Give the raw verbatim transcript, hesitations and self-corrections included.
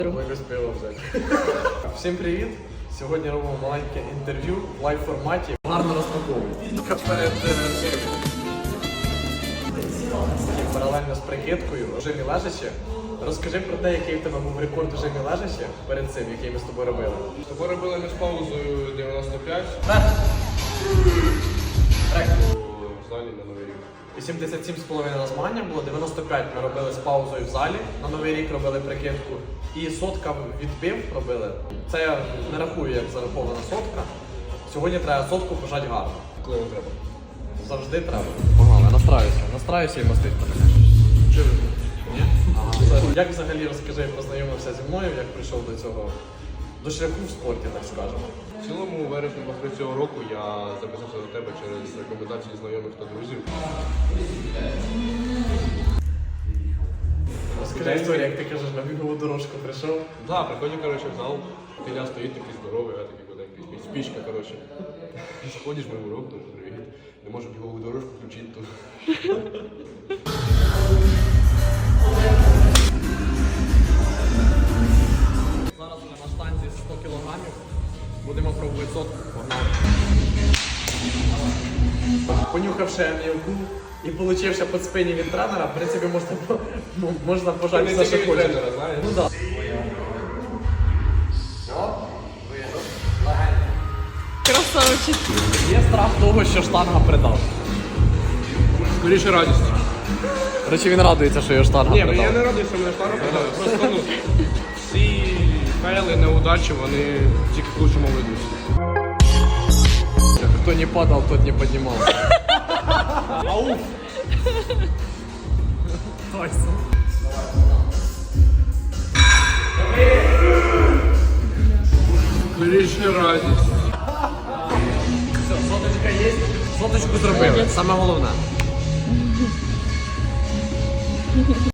Якось пиво взяти. Всім привіт! Сьогодні робимо маленьке інтерв'ю в лайв форматі. Гарно розпаковуємо. Перед паралельно з прикидкою в режимі лежачі. Розкажи про те, який в тебе був рекорд в режимі лежачі перед цим, який ми з тобою робили. З тобою робили ми з паузою дев'яносто п'ять. В залі на Новий рік. вісімдесят сім з половиною на змагання було, дев'яносто п'ять ми робили з паузою в залі, на Новий рік робили прикидку. І сотка відбив робили. Це я не рахую, як зарахована сотка. Сьогодні треба сотку пожати гарно. Коли не треба. Завжди треба. Погнали, настраюся. Настраюся і мастить мене. Чи ви? Ні? Ага. Як взагалі, розкажи, познайомився зі мною, як прийшов до цього, до шляху в спорті, так скажемо. В цілому, у вересні після цього року я записався до тебе через рекомендації знайомих та друзів. Розкажи історію, як ти кажеш, на бігову дорожку прийшов. Так, да, приходять, коротше, в зал, Філя стоїть такий здоровий, а такий куденький, спічка, коротше. Заходиш, ми урок, ну, привіт. Не можу бігову дорожку включити тут. Зараз ми на штанзі сто кілограмів. Будемо пробувати сотку. Погнали. Понюхавши м'явку і получивши під спині від тренера, в принципі, можна, ну, можна пожати все, що хочеш. Тренера, знаєш? Ну так. Красавчик. Є страх того, що штанга придав. Скоріше радість. Речі, він радується, що його штанга Ні, придав. я не радий, що мене штанга продали. Просто, ну, всі фейли, неудачі, вони тільки в лучшому ведуть. Хто не падав, тот не піднімався. Ауф! Тайсон. Скоріше радість. Все, соточка є. Соточку зробили. Саме головне.